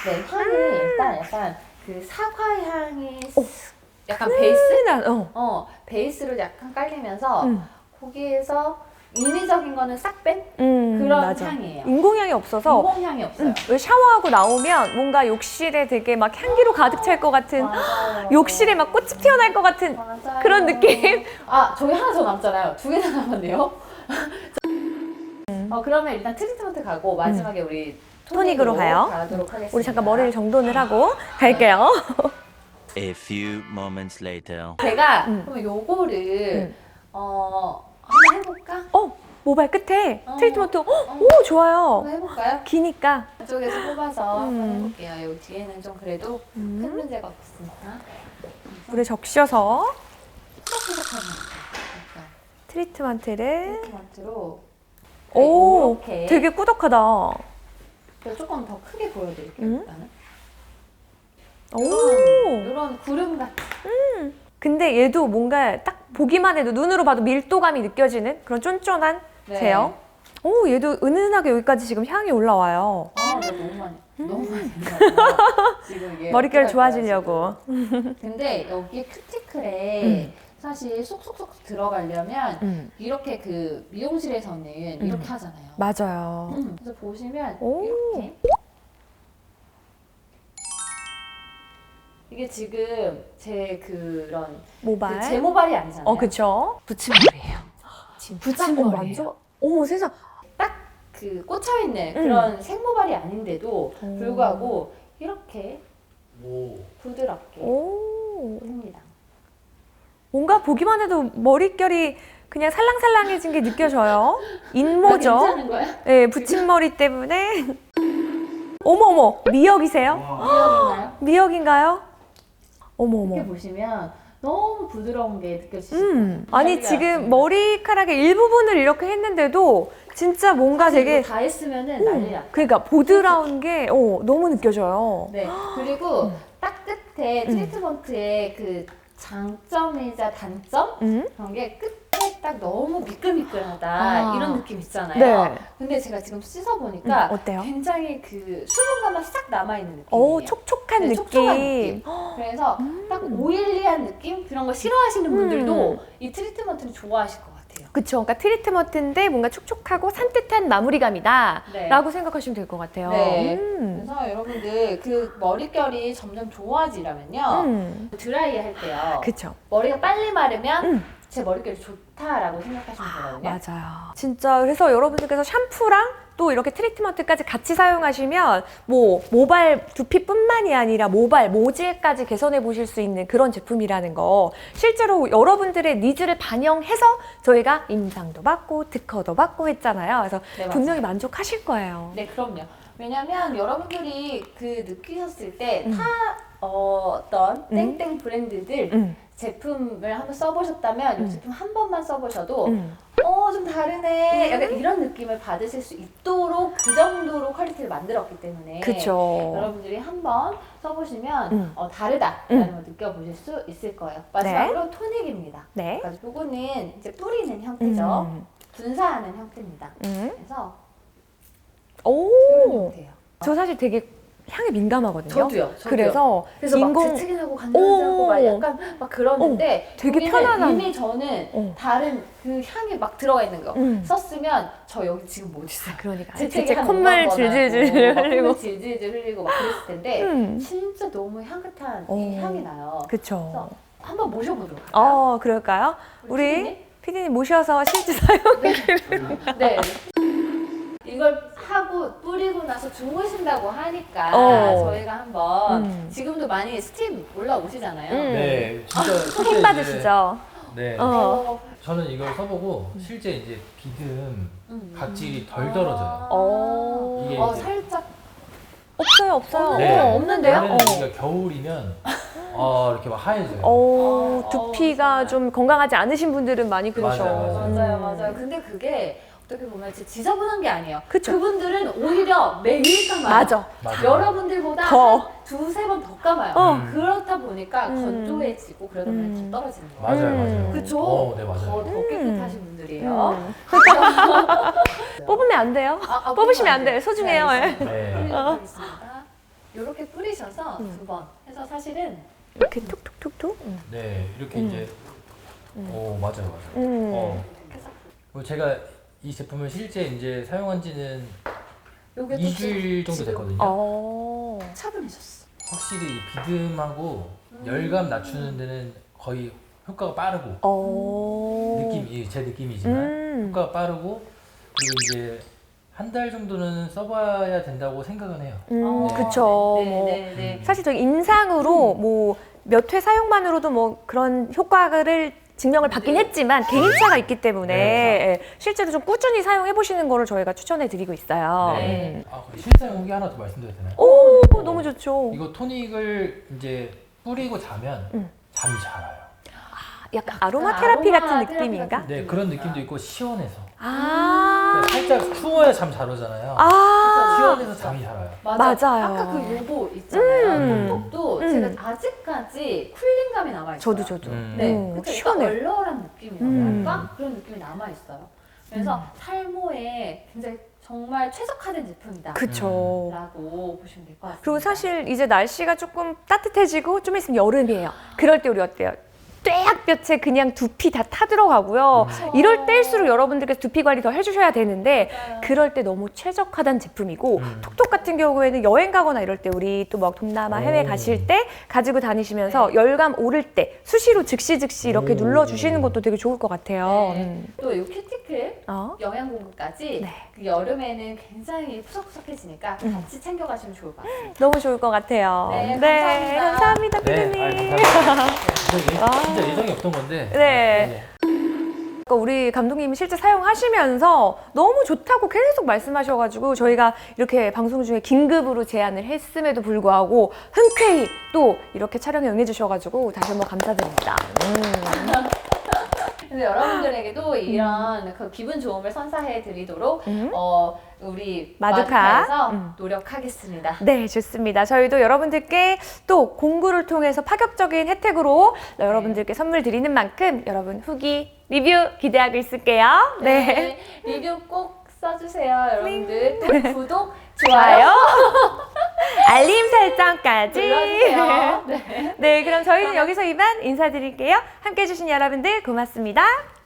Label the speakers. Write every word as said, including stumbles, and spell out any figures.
Speaker 1: 네, 향이 일단 약간 그 사과 향이
Speaker 2: 어.
Speaker 1: 약간 베이스?
Speaker 2: 난, 어.
Speaker 1: 어, 베이스로 약간 깔리면서
Speaker 2: 음.
Speaker 1: 거기에서 인위적인 거는 싹 뺀
Speaker 2: 음,
Speaker 1: 그런
Speaker 2: 맞아.
Speaker 1: 향이에요.
Speaker 2: 인공향이 없어서
Speaker 1: 인공향이 없어요.
Speaker 2: 음, 왜 샤워하고 나오면 뭔가 욕실에 되게 막 향기로 가득 찰 것 같은
Speaker 1: 맞아요.
Speaker 2: 욕실에 막 꽃이 피어날 것 같은
Speaker 1: 맞아요.
Speaker 2: 그런 느낌?
Speaker 1: 아, 저희 하나 더 남잖아요. 두 개나 남았네요. 어, 그러면 일단 트리트먼트 가고 마지막에 우리
Speaker 2: 토닉으로
Speaker 1: 토닉으로
Speaker 2: 가요.
Speaker 1: 가도록 하겠습니다.
Speaker 2: 우리 잠깐 머리를 정돈을 하고 갈게요.
Speaker 3: A few moments later.
Speaker 1: 제가
Speaker 2: 음.
Speaker 1: 그럼 요거를
Speaker 2: 음.
Speaker 1: 어, 한번 해볼까?
Speaker 2: 어, 모발 끝에
Speaker 1: 어.
Speaker 2: 트리트먼트. 어,
Speaker 1: 어.
Speaker 2: 오, 좋아요.
Speaker 1: 한번 해볼까요?
Speaker 2: 기니까.
Speaker 1: 이쪽에서 뽑아서 한번
Speaker 2: 음.
Speaker 1: 해볼게요. 여기 뒤에는 좀 그래도
Speaker 2: 음.
Speaker 1: 큰 문제가 없으니까.
Speaker 2: 물에 적셔서
Speaker 1: 푸석푸석하게 할게요.
Speaker 2: 트리트먼트를.
Speaker 1: 트리트먼트로
Speaker 2: 오,
Speaker 1: 이렇게
Speaker 2: 되게 꾸덕하다.
Speaker 1: 그래서 조금 더 크게 보여드릴게요.
Speaker 2: 음.
Speaker 1: 일단은.
Speaker 2: 오.
Speaker 1: 이런, 이런 구름 같은.
Speaker 2: 근데 얘도 뭔가 딱 보기만 해도 눈으로 봐도 밀도감이 느껴지는 그런 쫀쫀한
Speaker 1: 네.
Speaker 2: 제형. 오, 얘도 은은하게 여기까지 지금 향이 올라와요.
Speaker 1: 아, 나 너무 많이, 너무 많이 했나 봐. 지금 이게
Speaker 2: 머릿결
Speaker 1: 어떡할 거야,
Speaker 2: 좋아지려고.
Speaker 1: 지금. 근데 여기 큐티클에
Speaker 2: 음.
Speaker 1: 사실 쏙쏙쏙 들어가려면
Speaker 2: 음,
Speaker 1: 이렇게 그 미용실에서는 이렇게 하잖아요.
Speaker 2: 맞아요.
Speaker 1: 음, 그래서 보시면
Speaker 2: 오.
Speaker 1: 이렇게 이게 지금 제 그런
Speaker 2: 모발.
Speaker 1: 그 제 모발이 아니잖아요.
Speaker 2: 어, 그쵸.
Speaker 1: 붙임머리예요. 지금
Speaker 2: 붙임머리 완전. 어머, 세상.
Speaker 1: 그 꽂혀 있는 그런 생모발이 아닌데도
Speaker 2: 오.
Speaker 1: 불구하고 이렇게
Speaker 3: 오.
Speaker 1: 부드럽게
Speaker 2: 오.
Speaker 1: 합니다.
Speaker 2: 뭔가 보기만 해도 머릿결이 그냥 살랑살랑해진 게 느껴져요. 인모죠.
Speaker 1: 괜찮은 거야?
Speaker 2: 네, 붙임머리 때문에. 어머, 어머. 미역이세요?
Speaker 1: 미역인가요?
Speaker 2: 미역인가요? 어머,
Speaker 1: 이렇게
Speaker 2: 어머.
Speaker 1: 보시면 너무 부드러운 게 느껴지시죠?
Speaker 2: 음. 아니,
Speaker 1: 난리가
Speaker 2: 지금
Speaker 1: 났습니다.
Speaker 2: 머리카락의 일부분을 이렇게 했는데도 진짜 뭔가
Speaker 1: 사실
Speaker 2: 되게.
Speaker 1: 이거 다 했으면은 난리 났다.
Speaker 2: 그러니까 보드라운 게 어, 너무 느껴져요.
Speaker 1: 네. 그리고 딱 끝에
Speaker 2: 음.
Speaker 1: 트리트먼트의 그 장점이자 단점
Speaker 2: 음?
Speaker 1: 그런 게 끝에 딱 너무 미끌미끌하다
Speaker 2: 아.
Speaker 1: 이런 느낌 있잖아요.
Speaker 2: 네.
Speaker 1: 근데 제가 지금 씻어 보니까
Speaker 2: 음, 어때요?
Speaker 1: 굉장히 그 수분감만 싹 남아 있는 느낌이에요.
Speaker 2: 오, 촉촉한
Speaker 1: 네,
Speaker 2: 느낌.
Speaker 1: 촉촉한 느낌. 그래서 딱 오일리한 느낌 그런 거 싫어하시는 분들도
Speaker 2: 음.
Speaker 1: 이 트리트먼트를 좋아하실 것 같아요.
Speaker 2: 그쵸. 그러니까 트리트먼트인데 뭔가 촉촉하고 산뜻한 마무리감이다.
Speaker 1: 네.
Speaker 2: 라고 생각하시면 될 것 같아요.
Speaker 1: 네.
Speaker 2: 음.
Speaker 1: 그래서 여러분들 그 머릿결이 점점 좋아지려면요.
Speaker 2: 음.
Speaker 1: 드라이 할 때요.
Speaker 2: 그쵸.
Speaker 1: 머리가 빨리 마르면
Speaker 2: 음.
Speaker 1: 제 머릿결이 좋다라고 생각하시면 되거든요.
Speaker 2: 맞아요. 진짜 그래서 여러분들께서 샴푸랑 또 이렇게 트리트먼트까지 같이 사용하시면 뭐 모발 두피뿐만이 아니라 모발 모질까지 개선해 보실 수 있는 그런 제품이라는 거 실제로 여러분들의 니즈를 반영해서 저희가 임상도 받고 특허도 받고 했잖아요. 그래서
Speaker 1: 네, 맞아요.
Speaker 2: 분명히 만족하실 거예요.
Speaker 1: 네, 그럼요. 왜냐면 여러분들이 그 느끼셨을 때 타
Speaker 2: 음.
Speaker 1: 어, 어떤
Speaker 2: 음.
Speaker 1: 땡땡 브랜드들
Speaker 2: 음.
Speaker 1: 제품을 한번 써보셨다면 이
Speaker 2: 음.
Speaker 1: 제품 한 번만 써보셔도
Speaker 2: 음.
Speaker 1: 어, 좀 다르네. 약간 이런 느낌을 받으실 수 있도록 그 정도로 퀄리티를 만들었기 때문에
Speaker 2: 그쵸.
Speaker 1: 여러분들이 한번 써보시면
Speaker 2: 음.
Speaker 1: 어, 다르다라는 걸 느껴보실 수 있을 거예요. 마지막으로 토닉입니다.
Speaker 2: 네.
Speaker 1: 그래서 이거는 이제 뿌리는 형태죠.
Speaker 2: 음.
Speaker 1: 분사하는 형태입니다.
Speaker 2: 음.
Speaker 1: 그래서 이런
Speaker 2: 오.
Speaker 1: 형태예요.
Speaker 2: 저 사실 되게 향에 민감하거든요.
Speaker 1: 저도요. 저도요.
Speaker 2: 그래서
Speaker 1: 그래서
Speaker 2: 인공
Speaker 1: 막 재채기하고 간지나고 막
Speaker 2: 오.
Speaker 1: 약간 막 그러는데
Speaker 2: 되게
Speaker 1: 여기는
Speaker 2: 편안한.
Speaker 1: 이미 저는
Speaker 2: 어.
Speaker 1: 다른 그 향이 막 들어가 있는 거
Speaker 2: 음.
Speaker 1: 썼으면 저 여기 지금 못 있어요.
Speaker 2: 그러니까
Speaker 1: 재채기
Speaker 2: 진짜
Speaker 1: 한
Speaker 2: 콧물
Speaker 1: 오만 번
Speaker 2: 질질질
Speaker 1: 하고,
Speaker 2: 흘리고.
Speaker 1: 콧물 질질질 흘리고 막 그랬을 텐데
Speaker 2: 음.
Speaker 1: 진짜 너무 향긋한
Speaker 2: 어.
Speaker 1: 이 향이 나요.
Speaker 2: 그쵸.
Speaker 1: 그래서 한번 모셔보도록 할까요?
Speaker 2: 어, 그럴까요? 우리
Speaker 1: 피디님?
Speaker 2: 피디님 모셔서 실제 사용.
Speaker 1: 네. 이걸 하고 뿌리고 나서 주무신다고 하니까
Speaker 2: 어.
Speaker 1: 저희가 한번
Speaker 2: 음.
Speaker 1: 지금도 많이 스팀 올라오시잖아요.
Speaker 2: 음.
Speaker 4: 네, 진짜 실제
Speaker 2: 힘
Speaker 4: 이제-
Speaker 2: 받으시죠?
Speaker 4: 네,
Speaker 2: 어.
Speaker 1: 어.
Speaker 4: 저는 이걸 써보고 실제 이제 비듬
Speaker 1: 음.
Speaker 4: 각질이 덜 떨어져요.
Speaker 1: 아.
Speaker 2: 어.
Speaker 4: 이게
Speaker 1: 어,
Speaker 4: 이제-
Speaker 1: 살짝
Speaker 2: 없어요, 없어요.
Speaker 4: 네.
Speaker 2: 어, 없는데요?
Speaker 4: 원래는
Speaker 2: 어.
Speaker 4: 우리가 겨울이면 어, 이렇게 막 하얘져요.
Speaker 2: 어,
Speaker 1: 어,
Speaker 2: 두피가
Speaker 1: 어,
Speaker 2: 좀 건강하지 않으신 분들은 많이 그러셔.
Speaker 4: 맞아요, 맞아요.
Speaker 1: 맞아요,
Speaker 2: 음.
Speaker 1: 맞아요. 근데 그게 어떻게 보면 진짜 지저분한 게 아니에요.
Speaker 2: 그쵸.
Speaker 1: 그분들은 오히려 매일 감아요.
Speaker 2: 맞아.
Speaker 4: 맞아요.
Speaker 1: 여러분들보다
Speaker 2: 더.
Speaker 1: 한 두세 번 더 감아요.
Speaker 2: 어.
Speaker 4: 음.
Speaker 1: 그렇다 보니까
Speaker 2: 음.
Speaker 1: 건조해지고 그러다 보면
Speaker 2: 음.
Speaker 1: 더 떨어지는 거예요.
Speaker 4: 맞아요,
Speaker 2: 음.
Speaker 4: 맞아요.
Speaker 1: 그쵸?
Speaker 4: 어, 네,
Speaker 1: 더,
Speaker 4: 맞아요.
Speaker 1: 더 깨끗하신 분들이에요.
Speaker 2: 음. 뽑으면 안 돼요.
Speaker 1: 아, 아,
Speaker 2: 뽑으시면 안 돼요. 소중해요.
Speaker 1: 네,
Speaker 2: 예.
Speaker 1: 알겠습니다.
Speaker 4: 네.
Speaker 1: 뿌리도록 하겠습니다. 이렇게 뿌리셔서
Speaker 2: 음.
Speaker 1: 두 번 해서 사실은
Speaker 2: 이렇게 툭툭툭툭. 음.
Speaker 4: 네, 이렇게
Speaker 2: 음.
Speaker 4: 이제
Speaker 2: 음.
Speaker 4: 오 맞아요, 맞아요.
Speaker 2: 음.
Speaker 4: 어.
Speaker 1: 그래서
Speaker 4: 그리고 제가 이 제품을 실제 이제 사용한 지는
Speaker 1: 요게 또
Speaker 4: 이 주일 정도
Speaker 1: 지금
Speaker 4: 됐거든요.
Speaker 2: 어.
Speaker 1: 차분해졌어.
Speaker 4: 확실히 이 비듬하고
Speaker 1: 음.
Speaker 4: 열감 낮추는 데는 거의 효과가 빠르고
Speaker 2: 어.
Speaker 4: 느낌이 제 느낌이지만
Speaker 2: 음.
Speaker 4: 효과가 빠르고 그리고 이제 한 달 정도는 써봐야 된다고 생각은 해요.
Speaker 2: 음,
Speaker 1: 어,
Speaker 2: 그쵸.
Speaker 1: 네,
Speaker 2: 뭐
Speaker 1: 네, 네.
Speaker 2: 사실 저희 임상으로 뭐 몇 회 사용만으로도 뭐 그런 효과를 증명을 받긴
Speaker 1: 네.
Speaker 2: 했지만 개인차가 있기 때문에
Speaker 4: 네.
Speaker 2: 예, 실제로 좀 꾸준히 사용해 보시는 거를 저희가 추천해 드리고 있어요.
Speaker 1: 네.
Speaker 2: 음.
Speaker 4: 아, 그리고 실사용 후기 하나 더 말씀드려도 되나요?
Speaker 2: 오,
Speaker 4: 어,
Speaker 2: 너무 좋죠.
Speaker 4: 이거 토닉을 이제 뿌리고 자면
Speaker 2: 음.
Speaker 4: 잠이 잘 와요.
Speaker 2: 약간 아로마 테라피
Speaker 1: 아로마
Speaker 2: 같은
Speaker 1: 테라피
Speaker 2: 느낌인가?
Speaker 1: 같은
Speaker 4: 네, 그런 느낌도 있고 시원해서.
Speaker 2: 아.
Speaker 4: 그러니까 살짝 추워야 잠 잘 오잖아요.
Speaker 2: 아.
Speaker 4: 시원해서 잠이 잘 와요.
Speaker 1: 맞아.
Speaker 2: 맞아요.
Speaker 1: 아까 그 요거 있잖아요.
Speaker 2: 음.
Speaker 1: 톡톡도
Speaker 2: 음.
Speaker 1: 제가 아직까지 쿨링감이 남아있어요.
Speaker 2: 저도 저도.
Speaker 4: 음.
Speaker 1: 네,
Speaker 2: 음,
Speaker 1: 그쵸.
Speaker 2: 시원해.
Speaker 1: 약간 얼얼한 느낌이라고
Speaker 2: 음.
Speaker 1: 할까? 그런 느낌이 남아있어요. 그래서 탈모에 굉장히 정말 최적화된 제품이다.
Speaker 2: 그쵸.
Speaker 1: 라고 보시면 될 것 같습니다.
Speaker 2: 그리고 사실 이제 날씨가 조금 따뜻해지고 좀 있으면 여름이에요. 그럴 때 우리 어때요? 떼약볕에 그냥 두피 다 타들어가고요.
Speaker 1: 그쵸.
Speaker 2: 이럴 때일수록 여러분들께서 두피 관리 더 해주셔야 되는데
Speaker 1: 맞아요.
Speaker 2: 그럴 때 너무 최적화된 제품이고
Speaker 4: 음.
Speaker 2: 톡톡 같은 경우에는 여행 가거나 이럴 때 우리 또 막 동남아 해외
Speaker 4: 오.
Speaker 2: 가실 때 가지고 다니시면서
Speaker 1: 네.
Speaker 2: 열감 오를 때 수시로 즉시 즉시 이렇게
Speaker 4: 오.
Speaker 2: 눌러주시는 것도 되게 좋을 것 같아요.
Speaker 1: 네.
Speaker 2: 음.
Speaker 1: 또 이 큐티클
Speaker 2: 어?
Speaker 1: 영양 공급까지
Speaker 2: 네.
Speaker 1: 그 여름에는 굉장히 푸석푸석해지니까
Speaker 2: 음.
Speaker 1: 같이 챙겨가시면 좋을 것 같습니다.
Speaker 2: 너무 좋을 것 같아요.
Speaker 1: 네, 감사합니다.
Speaker 2: 감사합니다,
Speaker 4: 네,
Speaker 2: 피디님.
Speaker 4: 아유, 감사합니다. 진짜, 예,
Speaker 2: 아.
Speaker 4: 진짜 예정이 없던 건데.
Speaker 2: 네. 그러니까 우리 감독님이 실제 사용하시면서 너무 좋다고 계속 말씀하셔가지고 저희가 이렇게 방송 중에 긴급으로 제안을 했음에도 불구하고 흔쾌히 또 이렇게 촬영에 응해주셔가지고 다시 한번 감사드립니다. 음.
Speaker 1: 근데 여러분들에게도 이런 그 기분 좋음을 선사해 드리도록
Speaker 2: 음.
Speaker 1: 어, 우리
Speaker 2: 마두카.
Speaker 1: 마두카에서
Speaker 2: 음.
Speaker 1: 노력하겠습니다.
Speaker 2: 네, 좋습니다. 저희도 여러분들께 또 공구를 통해서 파격적인 혜택으로 여러분들께 선물 드리는 만큼 여러분 후기, 리뷰 기대하고 있을게요. 네.
Speaker 1: 네. 리뷰 꼭 써주세요, 여러분들. 또 구독,
Speaker 2: 좋아요.
Speaker 1: 좋아요
Speaker 2: 알림 설정까지.
Speaker 1: 눌러주세요. 네.
Speaker 2: 네, 그럼 저희는 여기서 이만 인사드릴게요. 함께 해주신 여러분들 고맙습니다.